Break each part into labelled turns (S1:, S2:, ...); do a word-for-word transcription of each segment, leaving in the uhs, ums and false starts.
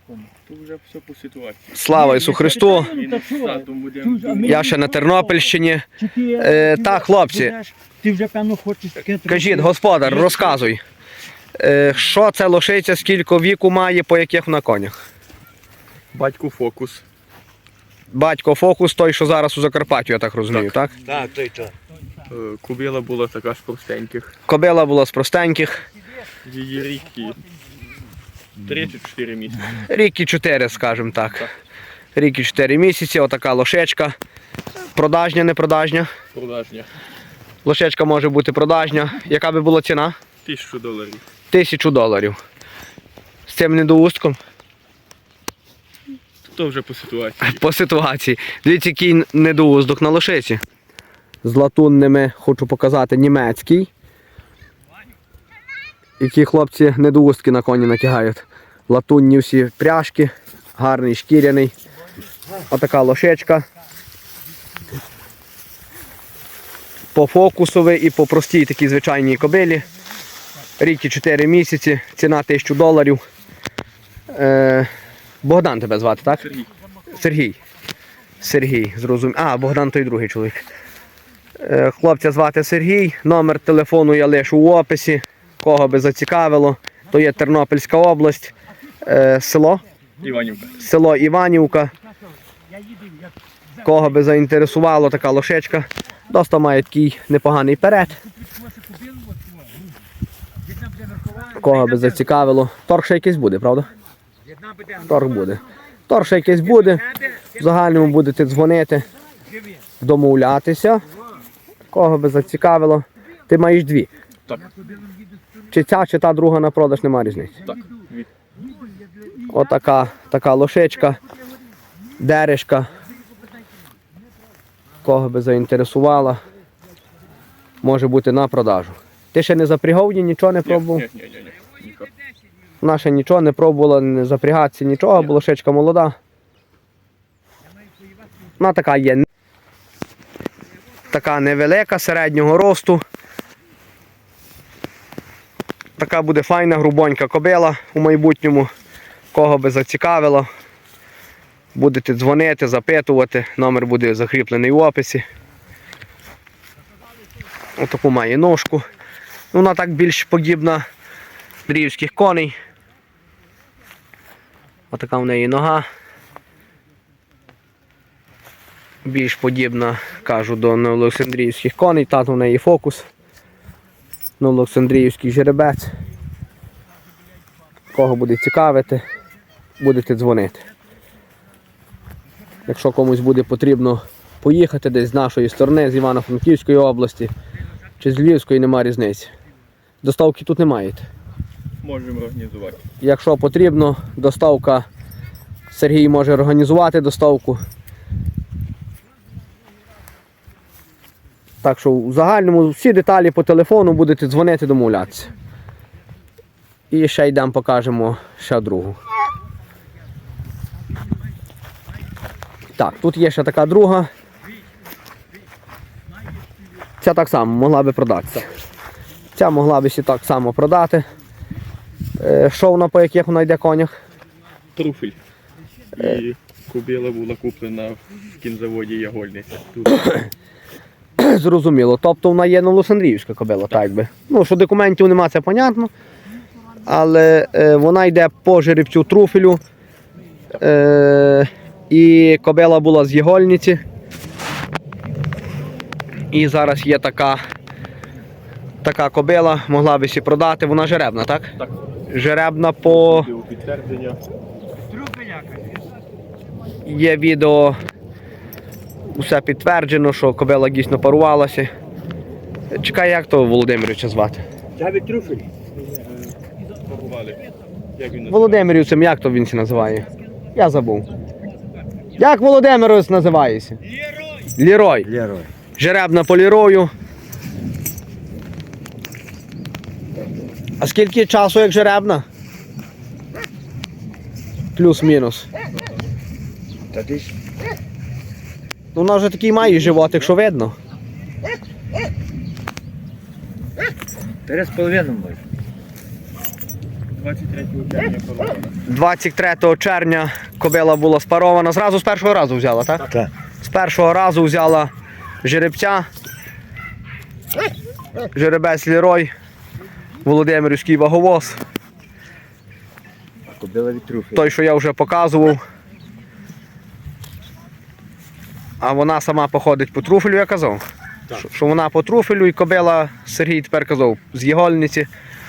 S1: Тут вже все по ситуації.
S2: Слава Ісу Христу! Я ще на Тернопільщині. Е, так, хлопці,
S3: Ти вже, певно, хочеш таке...
S2: кажіть, господар, розказуй. Е, що це лошиця, скільки віку має, по яких вона конях?
S1: Батько Фокус.
S2: Батько Фокус, той, що зараз у Закарпатті, я так розумію, так?
S3: Так, той то.
S1: Е, Кобила була така з простеньких.
S2: Кобила була з простеньких.
S1: Її рік і три чи чотири місяці.
S2: Рік і чотири, скажімо так. Рік і чотири місяці, отака лошечка. Продажня, не продажня.
S1: Продажня.
S2: Лошечка може бути продажня. Яка би була ціна?
S1: Тисячу доларів.
S2: Тисячу доларів. З цим недоустком?
S1: То вже по ситуації.
S2: По ситуації. Дивіться, який недоуздок на лошиці. З латунними, хочу показати, німецький. Які хлопці недоустки на коні натягають. Латунні всі пряжки, гарний шкіряний. Отака лошечка. По фокусовій і по простій такій звичайній кобилі. Рік і чотири місяці, ціна тисячу доларів. Е, Богдан тебе звати, так?
S1: Сергій.
S2: Сергій. Сергій, зрозумів. А, Богдан той другий чоловік. Е, хлопця звати Сергій, номер телефону я лишу у описі. Кого би зацікавило, то є Тернопільська область, е, село,
S1: Іванівка.
S2: село Іванівка. Кого би заінтересувало така лошечка, доста має такий непоганий перед. Кого би зацікавило. Торг ще якийсь буде, правда? Торг буде. Торг ще якийсь буде. В загальному будете дзвонити, домовлятися. Кого би зацікавило. Ти маєш дві.
S1: Так.
S2: Чи ця, чи та друга на продаж, немає різниці.
S1: Так. Від...
S2: Отака така лошечка, дережка. Кого би заінтересувала, може бути на продажу. Ти ще не запрягав її, нічого не пробував?
S1: Ні, ні, ні, ні. Ніяк.
S2: Вона ще нічого не пробувала, не запрягатися, нічого, бо лошечка молода. Вона така є. Така невелика, середнього росту. Така буде файна, грубонька кобила у майбутньому. Кого би зацікавило, будете дзвонити, запитувати, номер буде закріплений в описі. Отаку має ножку. Вона так більш подібна дрівських коней. Отака в неї нога. Більш подібна, кажу, до новоолександрійських коней. Тато в неї Фокус. Новоолександрійський жеребець. Кого буде цікавити, будете дзвонити. Якщо комусь буде потрібно поїхати десь з нашої сторони, з Івано-Франківської області, чи з Львівської, немає різниці. Доставки тут не маєте.
S1: Можемо організувати.
S2: Якщо потрібно, доставка, Сергій може організувати доставку. Так що в загальному всі деталі по телефону будете дзвонити, домовлятися. І ще йдемо, покажемо ще другу. Так, тут є ще така друга. Ця так само могла би продатися. Ця могла би ще так само продати. Що вона, по яких вона йде конях?
S1: Труфель. І кобила була куплена в кінзаводі Ягольниця. Тут.
S2: Зрозуміло. Тобто вона є новоолександрівська кобила, так би. Ну, що документів нема, це понятно. Але е, вона йде по жеребцю труфелю. Е, і кобила була з Ягольниці. І зараз є така, така кобила, могла би сі продати. Вона жеребна, так?
S1: Так.
S2: Жеребна по...
S1: Відео підтвердження.
S2: Є відео, усе підтверджено, що кобила дійсно парувалася. Чекай, як того Володимировича звати?
S3: Давид Труфель.
S1: Парували. Як він називається?
S2: Володимирівцем, як то він се називає? Я забув. Як Володимирович називається? Лірой.
S3: Лерой.
S2: Жеребна по лірою. А скільки часу як жеребна? Плюс-мінус.
S3: Та ти ж...
S2: Ну, вона вже такий має животик, що видно.
S3: Три з половиною може.
S1: двадцять третього червня порована.
S2: двадцять третього червня кобила була спарована. Зразу з першого разу взяла, так?
S3: Так.
S2: З першого разу взяла жеребця. Жеребець Лерой. Володимирівський ваговоз.
S3: Кобила від труфелю.
S2: Той, що я вже показував. А вона сама походить по труфелю, я казав.
S3: Так.
S2: Що, що вона по труфелю і кобила, Сергій тепер казав, з Єгольниці.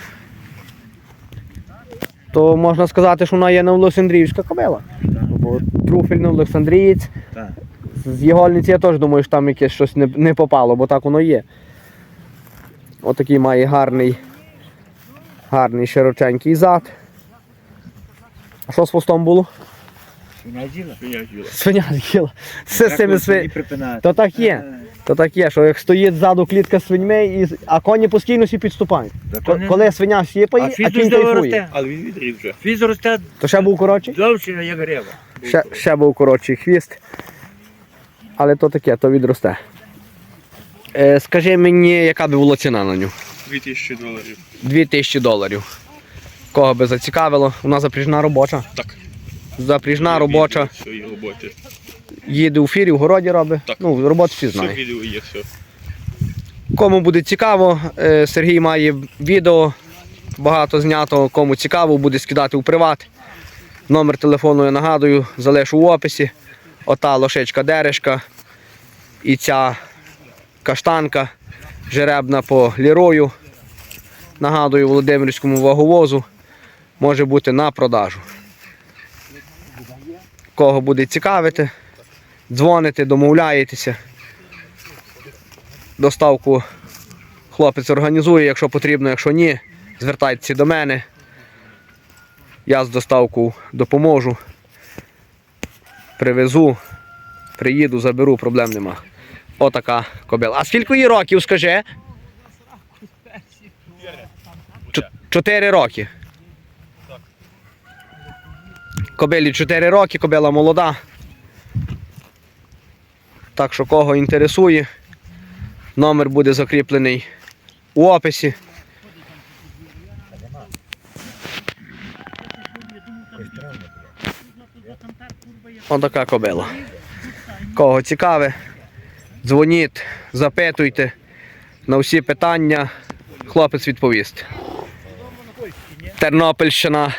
S2: То можна сказати, що вона є Новоолександрівська кобила. Бо труфель Новоолександрієць.
S3: Так.
S2: З Єгольниці я теж думаю, що там якесь щось не, не попало, бо так воно є. Отакий має гарний, гарний широченький зад. А що з хвостом було?
S3: Свиня з'їла?
S1: Свиня з'їла.
S2: Свиня з'їла. Все з цими свинями.
S3: припинати.
S2: То так є. То так є, що як стоїть ззаду клітка з свиньми, і... а коні постійно всі підступають.
S3: Та
S2: Ко-
S3: то не-
S2: Коли свиня сіпає,
S3: А
S2: а,
S3: фіз
S2: кінь
S3: дуже
S2: кайфує.
S3: росте.
S1: Але він відріз вже.
S3: Фіз росте
S2: То ще був коротший?
S3: довше, як грива.
S2: Ще, ще був коротший хвіст. Але то таке, то відросте. Е, скажи мені, яка би була ціна на нього?
S1: дві тисячі доларів.
S2: Дві тисячі доларів. Кого би зацікавило? Вона запряжна робоча.
S1: Так.
S2: Запряжна робоча.
S1: Свої роботи.
S2: Їде у фірі, в городі робить.
S1: Так.
S2: Ну, роботу всі
S1: Все
S2: знають.
S1: відео є, все.
S2: Кому буде цікаво, е, Сергій має відео, багато знято, кому цікаво, буде скидати у приват. Номер телефону, я нагадую, залишу в описі. Ота лошечка Дерешка і ця каштанка жеребна по Лерою. Нагадую, Володимирському ваговозу може бути на продажу. Кого буде цікавити, дзвоните, домовляєтеся. Доставку хлопець організує, якщо потрібно, якщо ні, звертайтеся до мене. Я з доставкою допоможу. Привезу, приїду, заберу, проблем нема. Отака кобила. А скільки їй років, скажи? Чо- Чотири роки. Кобилі чотири роки, кобила молода. Так що кого інтересує, номер буде закріплений у описі. Отака кобила. Кого цікаве, дзвоніть, запитуйте. На всі питання хлопець відповість. Тернопільщина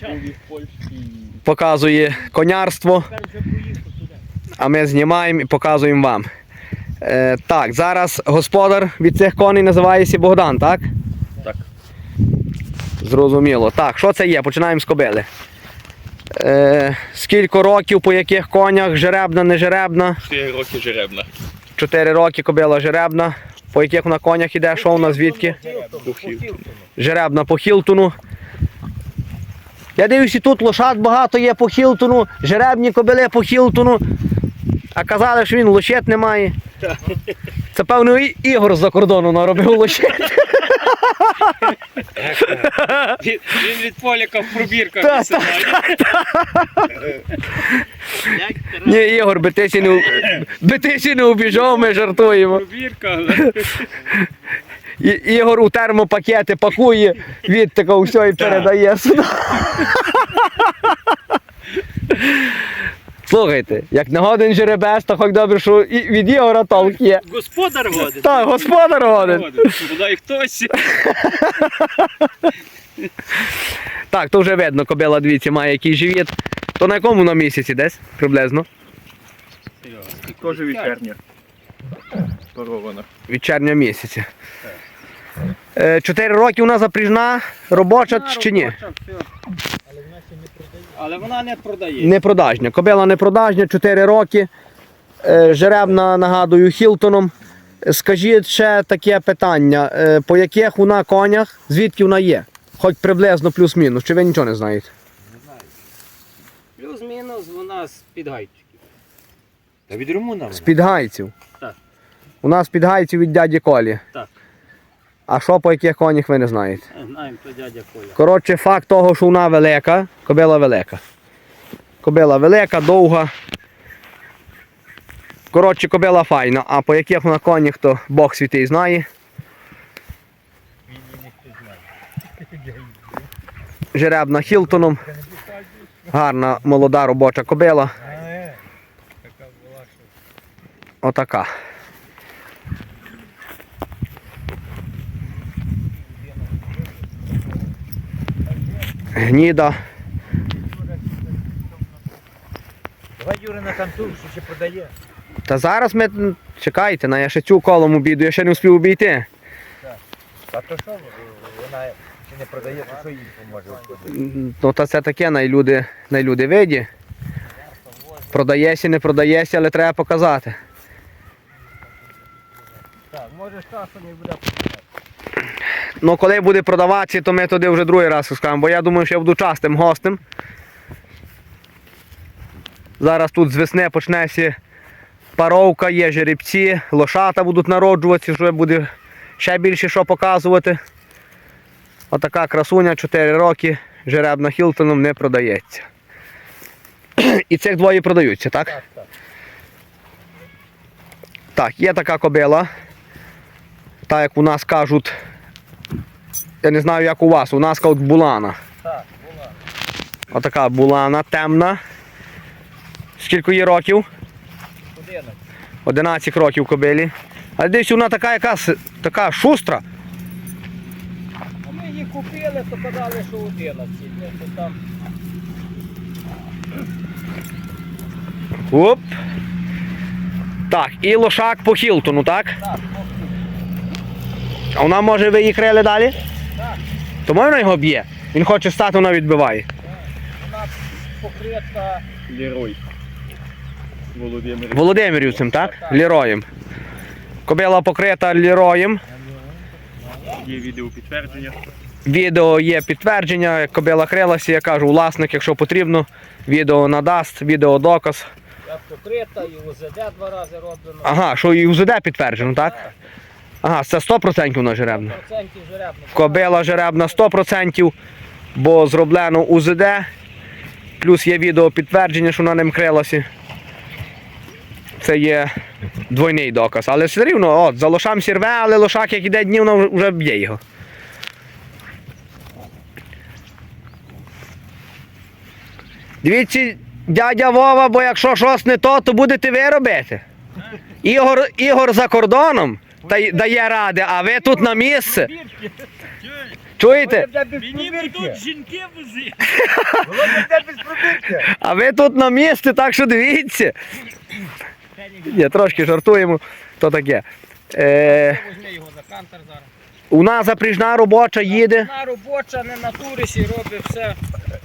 S2: показує конярство, а ми знімаємо і показуємо вам. Е, так, зараз господар від цих коней називається Богдан, так?
S1: Так.
S2: Зрозуміло. Так, що це є? Починаємо з кобили. Е, скільки років, по яких конях, жеребна, не жеребна?
S1: чотири роки жеребна.
S2: Чотири роки кобила жеребна. По яких вона конях іде, що вона звідки?
S1: Бухів.
S2: Жеребна по Хілтону. Я дивлюся, тут лошад багато є по Хілтону, жеребні кобили по Хілтону. А казали, що він лошет не має. Це, певно, і Ігор з-за кордону наробив лошет.
S1: Він, він від Поляка в пробірках
S2: Та,
S1: висилає.
S2: Ні, Ігор, би ти сі не, би ти сі не убіжав, ми жартуємо.
S1: Пробірка.
S2: І, Ігор у термопакети пакує, від такого все і передає сюди. Слухайте, як не годен жеребець, то хоч добре, що і від Ігора толк є.
S1: Господар годин.
S2: Так, господар годен.
S1: Бодай хтось.
S2: Так, то вже видно, кобила, дивіться, має який живіт. То на якому на місяці десь, приблизно?
S1: Теж вечірня. Парована.
S2: Від червня місяця. Е, Чотири роки вона запряжна, робоча чи ні?
S1: Але вона не продає.
S2: Непродажня. Кобила непродажня, чотири роки. Е, Жеребна, нагадую, Хілтоном. Скажіть ще таке питання. Е, По яких вона конях, звідки вона є? Хоч приблизно плюс-мінус, чи ви нічого не знаєте?
S4: Плюс-мінус вона з підгайчиків.
S3: Та від румуна.
S2: З підгайців.
S4: Так.
S2: У нас підгайців від дяді Колі.
S4: Так.
S2: А що по яких конях ви не знаєте?
S4: Знаємо, то дядя Коля.
S2: Коротше, факт того, що вона велика, кобила велика. Кобила велика, довга. Коротше, кобила файна, а по яких вона конях, то Бог святий знає. жеребна Хілтоном. Гарна молода робоча кобила. Отака. Гніда.
S3: Давай Юра на контур, що ще продає.
S2: Та зараз ми, чекайте, на я ще цю колом обійду, я ще не встиг обійти.
S3: А то що, вона ще не продає, то що їй поможе?
S2: Ну та це таке, найлюди, найлюди виді. Продаєся, не продаєся, але треба показати.
S3: Так, може часом не буде.
S2: Ну коли буде продаватися, то ми туди вже другий раз скажемо, бо я думаю, що я буду частим гостем. Зараз тут з весни почнеться паровка, є жеребці, лошата будуть народжуватися, вже буде ще більше що показувати. Отака красуня, чотири роки, жеребна Хілтоном не продається. І цих двоє продаються, так?
S3: Так, так.
S2: Так, є така кобила. Так як у нас кажуть, я не знаю як у вас, у нас кажуть булана.
S3: Так, була.
S2: Отака булана, темна. Скільки їй років?
S3: Одинадцять.
S2: одинадцять років кобилі. Але десь вона така якась, така шустра.
S3: А ми її купили, то казали, що одинадцять. Ну, то там...
S2: Оп. Так, і лошак по Хілтону, так?
S3: Так,
S2: А вона може ви її крили далі?
S3: так.
S2: То можна його б'є? Він хоче стати, вона відбиває.
S3: Вона покрита.
S1: Лерой. Володимир.
S2: Володимирівцем, так? Ліроєм. Кобила покрита ліроєм.
S1: Є відео підтвердження.
S2: Відео є підтвердження, як кобила крилася, я кажу, власник, якщо потрібно, відео надасть, відео доказ.
S3: Як покрита, і УЗД два рази роблено.
S2: Ага, що і УЗД підтверджено, так? Ага, це сто відсотків вона жеребна.
S3: Процентів жеребно.
S2: Кобила жеребна сто відсотків, бо зроблено УЗД, плюс є відео підтвердження, що вона ним крилася. Це є двойний доказ. Але все рівно, от, за лошам сірве, але лошак, як іде днів, вона вже б'є його. Дивіться, дядя Вова, бо якщо щось не то, то будете ви робити. Ігор, Ігор за кордоном та й дає ради, а ви тут на місце. Чуєте?
S3: Мені тут
S4: жінки вози.
S2: А ви тут на місці, так що дивіться. Ні, трошки жартуємо, то таке. Е,
S4: Возьми його за кантер зараз.
S2: у нас запряжна робоча їде.
S4: На робоча, не на турисі, робить все.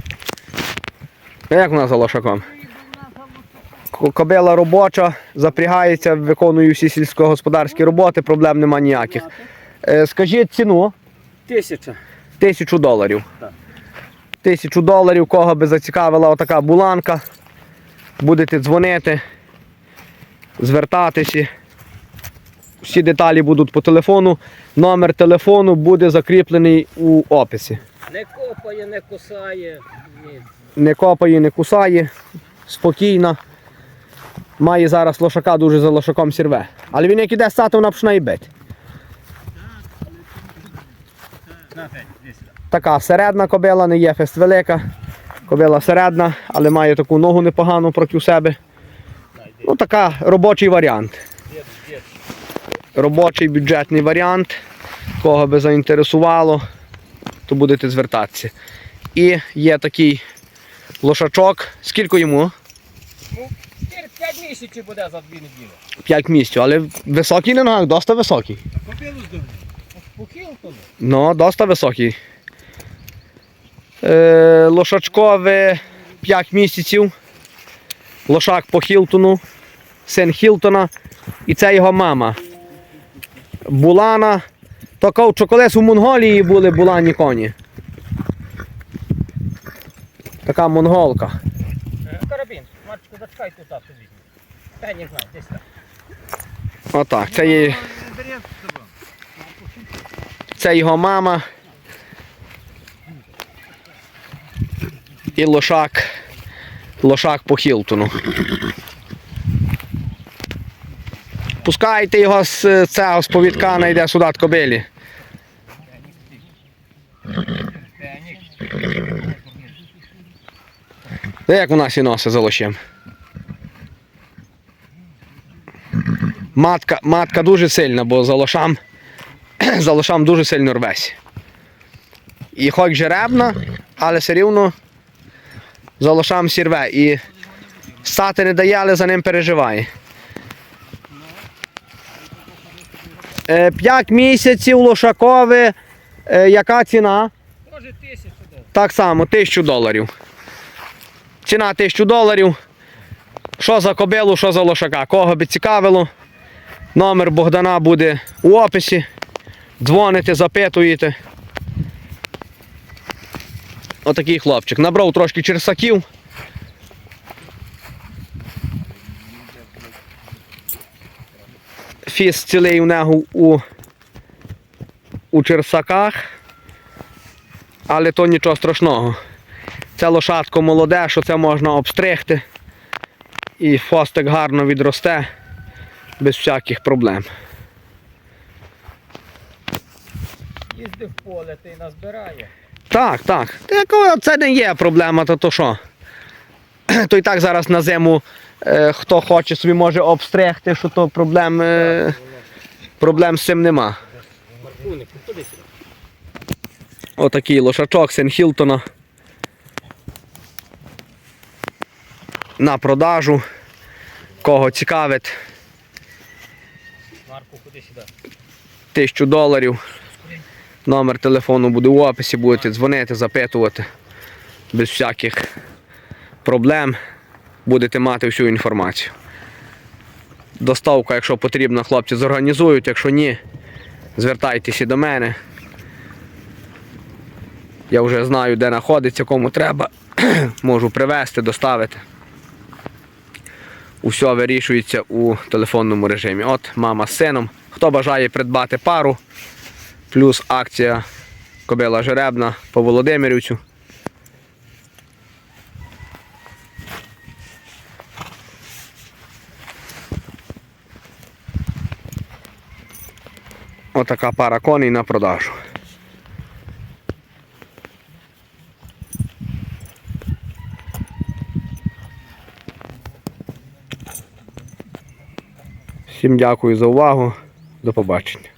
S2: А як у нас за лошаком? К- Кобила робоча, запрягається, виконує всі сільськогосподарські роботи, проблем нема ніяких. Е, скажіть ціну.
S4: Тисяча.
S2: Тисячу доларів.
S4: Так.
S2: Тисячу доларів, кого би зацікавила отака буланка. Будете дзвонити, звертатися. Всі деталі будуть по телефону. Номер телефону буде закріплений у описі.
S4: Не копає, не кусає. Ні.
S2: Не копає, не кусає, спокійна. Має зараз лошака, дуже за лошаком сірве. Але він як іде стати, вона починає і бити. Така середна кобила, не є фест велика. Кобила середна, але має таку ногу непогану проти себе. Ну така робочий варіант. Робочий бюджетний варіант. Кого би заінтересувало, то будете звертатися. І є такий лошачок. Скільки йому?
S4: Ну, п'ять місяців буде за дві неділі.
S2: п'ять місяців, але високий на ногах, досить високий.
S4: По Хілтону.
S2: Ну, досить високий. Е, лошачкове п'ять місяців. Лошак по Хілтону, син Хілтона. І це його мама. Булана. То кажуть, що колись у Монголії були булані коні. Така монголка.
S4: Карабін. Марчику, зачекай тут, так, тобі. Та не знаю, десь так.
S2: Отак, це є. Це його мама. І лошак. Лошак по Хілтону. Пускайте його з цього з повідка, найде сюди кобилі. Де як вона сі носить за лощем? Матка, матка дуже сильна, бо за лошам, за лошам дуже сильно рвесь. І хоч жеребна, але все рівно за лошам сірве. І ссати не дає, але за ним переживає. Е, П'ять місяців лошакове. Е, яка ціна?
S3: Може тисячу доларів.
S2: Так само, тисячу доларів. Ціна тисячу доларів. Що за кобилу, що за лошака. Кого би цікавило, номер Богдана буде у описі. Дзвоните, запитуєте. Отакий хлопчик. Набрав трошки черсаків. Фіс цілий у нього у, у черсаках. Але то нічого страшного. Це лошадко молоде, що це можна обстригти. І хвостик гарно відросте, без всяких проблем.
S3: Їздив в поле, ти назбирає.
S2: Так, так. Такого це не є проблема, то то що? То і так зараз на зиму е, хто хоче собі може обстригти, що то проблем, е, проблем з цим нема.
S3: Маркуник, туди сюди.
S2: Отакий лошачок Сен Хілтона. На продажу. Кого цікавить,
S3: Марку, куди сюди.
S2: тисячу доларів. Номер телефону буде в описі, будете дзвонити, запитувати. Без всяких проблем будете мати всю інформацію. Доставка, якщо потрібно, хлопці зорганізують, якщо ні, звертайтеся до мене. Я вже знаю, де знаходиться, кому треба. Можу привезти, доставити. Усе вирішується у телефонному режимі. От мама з сином. Хто бажає придбати пару, плюс акція кобила жеребна по Володимирівцю. Отака пара коней на продажу. Всім дякую за увагу. До побачення.